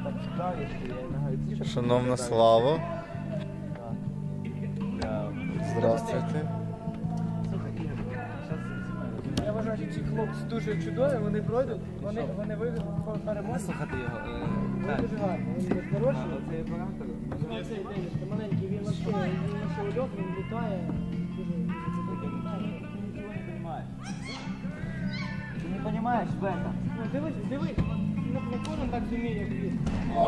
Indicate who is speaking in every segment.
Speaker 1: Шановна Слава. Здравствуйте.
Speaker 2: Я вважаю, що ці хлопці дуже чудові, вони пройдуть, вони вийдуть переможці.
Speaker 3: Слухати його.
Speaker 2: Вони дуже гарні, вони хороші. Оцей оператор. Оцей Денис, маленький, він вообще ульот, він літає.
Speaker 3: Ти не розумієш в этом.
Speaker 2: Дивись, не кожен так зуміє, як він.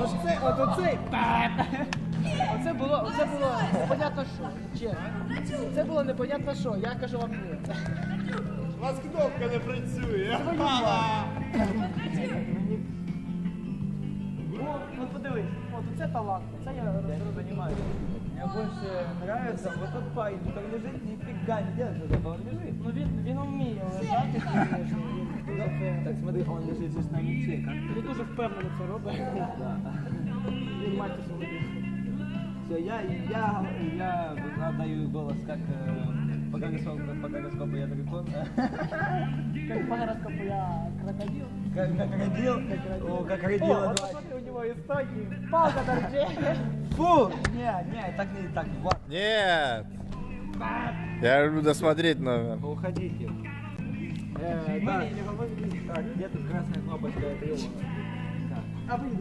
Speaker 2: Оце було непонятно що, чесно. Це було непонятно що, я кажу вам ні.
Speaker 4: У вас кнопка не працює.
Speaker 2: От подивись, от це талант, це я розумію.
Speaker 3: Мне больше нравится вот тот парень, который лежит, нифига не делает, зато он лежит.
Speaker 2: Ну він вміє лежати, звісно.
Speaker 3: Так смотри, он лежит здесь на мече, как
Speaker 2: Він дуже впевнено це робить. Він матір свою.
Speaker 3: все, я отдаю голос как по гороскопу я дракон.
Speaker 2: Как по гороскопу я крокодил.
Speaker 3: Как крокодил, как родила.
Speaker 2: О, вот смотри, у него истоки. Палка торчит.
Speaker 3: Фу! Не, так не так.
Speaker 1: Нет. Я люблю досмотреть номер.
Speaker 3: Уходите. Так, где тут красная кнопочка? Это его.
Speaker 2: А выйди.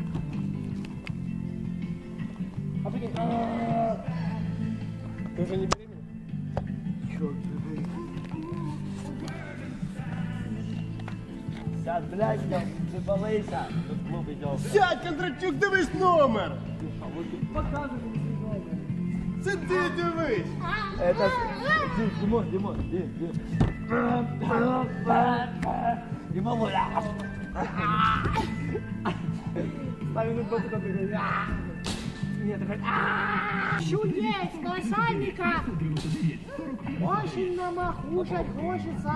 Speaker 2: А прикинь. Ты уже не беременна?
Speaker 3: Черт, сядь, блядь, заболейся. Тут клуб идет.
Speaker 4: Сядь, Кондратюк, дивись номер!
Speaker 2: Показывай свой номер.
Speaker 4: Це ти дивись!
Speaker 3: Это Димон. Димон,
Speaker 2: Ставим на бок, как ты говоришь. Нет, такой.
Speaker 5: Чудес, колоссальника! Очень нам кушать хочется.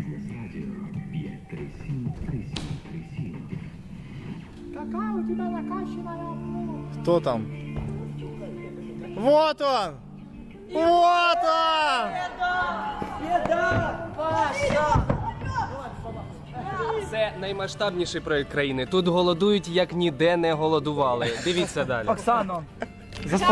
Speaker 5: Какая у тебя накачанная плоть.
Speaker 1: Кто там? Вот он! Вот он!
Speaker 6: Це наймасштабніший проєкт країни. Тут голодують, як ніде не голодували. Дивіться далі.
Speaker 3: Оксано.